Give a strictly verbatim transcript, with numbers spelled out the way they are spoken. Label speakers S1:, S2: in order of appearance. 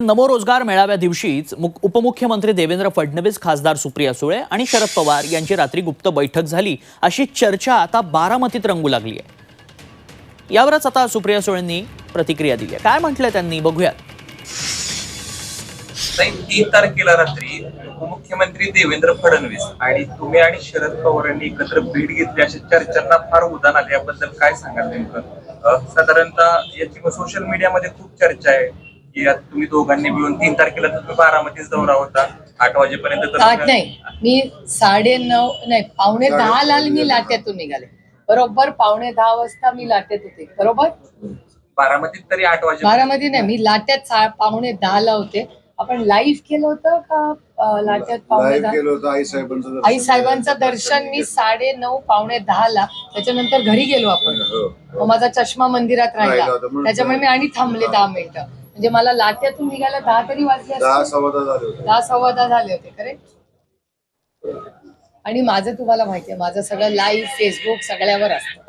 S1: नमो रोजगार मेळाव्या दिवशीच उपमुख्यमंत्री देवेंद्र फडणवीस, खासदार सुप्रिया सुळे आणि शरद पवार यांची रात्री गुप्त बैठक झाली अशी चर्चा आता बारामतीत रंगू लागली आहे। यावरच आता सुप्रिया सुळेंनी प्रतिक्रिया दिली आहे। काय म्हटलंय त्यांनी बघूयात।
S2: तीन तारखेला रात्री उपमुख्यमंत्री देवेंद्र फडणवीस आणि तुम्ही आणि शरद पवार यांनी एकत्र भेट घेतली अशा चर्चांना फार उधाण आले। याबद्दल काय सांगाल नेमकं? साधारणतः याची सोशल मीडियामध्ये खूप चर्चा आहे की तुम्ही दोघांनी मिळून तीन तारखेला तुम्ही बारामतीच दौरा होता, आठ वाजेपर्यंत
S3: आठ नाही, मी साडे नऊ नाही पावणे दहा ला मी लाट्यातून निघाले। बरोबर पावणे दहा वाजता मी लाट्यात होते। बरोबर
S2: बारामतीत तरी आठ वाजे
S3: बारामती नाही, मी लाट्यात पावणे दहा ला होते। आपण लाईव्ह केलं होतं का लाट्यात? पावणे दहा आई साहेबांचं आई साहेबांचं दर्शन मी साडे नऊ पावणे दहा ला, त्याच्यानंतर घरी गेलो आपण। मग माझा चष्मा मंदिरात राहिला, त्याच्यामुळे मी आणि थांबले दहा मिनिटं। म्हणजे मला लाट्यातून निघायला दहा तरी वाजले असते, दहा सव्वा दहा झाले होते दहा सव्वा दहा झाले होते करेक्ट। आणि माझं तुम्हाला माहितीये, माझं सगळं लाईव्ह फेसबुक सगळ्यावर असतं।